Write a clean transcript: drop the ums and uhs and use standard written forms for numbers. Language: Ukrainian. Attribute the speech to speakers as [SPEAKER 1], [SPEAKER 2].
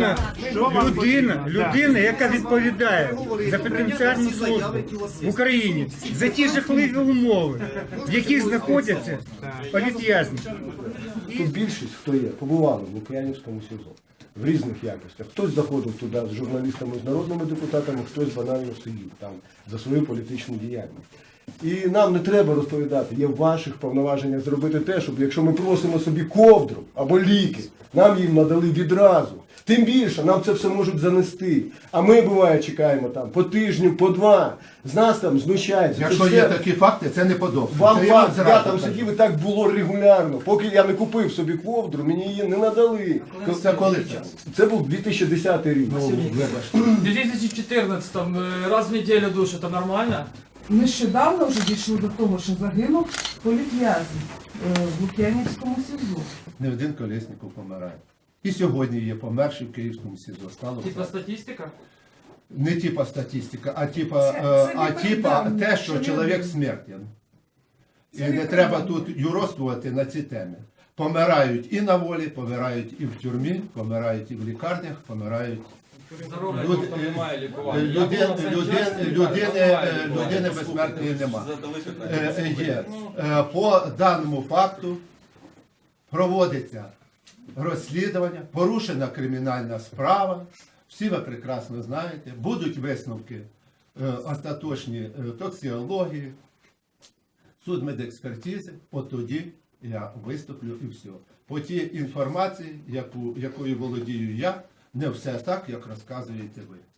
[SPEAKER 1] людина, яка відповідає за пенітенціарну службу в Україні, за ті жахливі умови, в яких знаходяться політв'язні.
[SPEAKER 2] Тут більшість, хто є, побували в Лук'янівському СІЗО в різних якостях. Хтось заходив туди з журналістами, з народними депутатами, хтось банально сидів там за свою політичну діяльність. І нам не треба розповідати, є в ваших повноваженнях зробити те, щоб якщо ми просимо собі ковдру або ліки, нам їм надали відразу. Тим більше нам це все можуть занести. А ми, буває, чекаємо там по тижню, по два. З нас там знущаються.
[SPEAKER 3] Якщо є такі факти, це не подобається.
[SPEAKER 2] Вам факт, я там сидів і так було регулярно. Поки я не купив собі ковдру, мені її не надали.
[SPEAKER 3] Це коли це?
[SPEAKER 2] Це був 2010 рік.
[SPEAKER 4] В 2014 раз в неделю душ, это нормально?
[SPEAKER 5] Нещодавно вже дійшло до того, що загинув політв'язень в Лук'янівському СІЗО.
[SPEAKER 3] Не один Колєсніков помирає. І сьогодні є померший в Київському СІЗО. Стало
[SPEAKER 4] Типа
[SPEAKER 3] все.
[SPEAKER 4] статистика?
[SPEAKER 3] Не типа статистика, а
[SPEAKER 5] Це
[SPEAKER 3] типа те,
[SPEAKER 5] це
[SPEAKER 3] що чоловік смертен. І не треба тут юродствувати на ці теми. Помирають і на волі, помирають і в тюрмі, помирають і в лікарнях, помирають.
[SPEAKER 4] Здоров'я
[SPEAKER 3] Люд-
[SPEAKER 4] просто немає лікування.
[SPEAKER 3] Людини безсмертної нема. Є. По даному факту проводиться розслідування, порушена кримінальна справа. Всі ви прекрасно знаєте, будуть висновки остаточні токсикології, судмедекспертизи, от тоді я виступлю і все. По тій інформації, якою володію я, не все так, як розказуєте ви.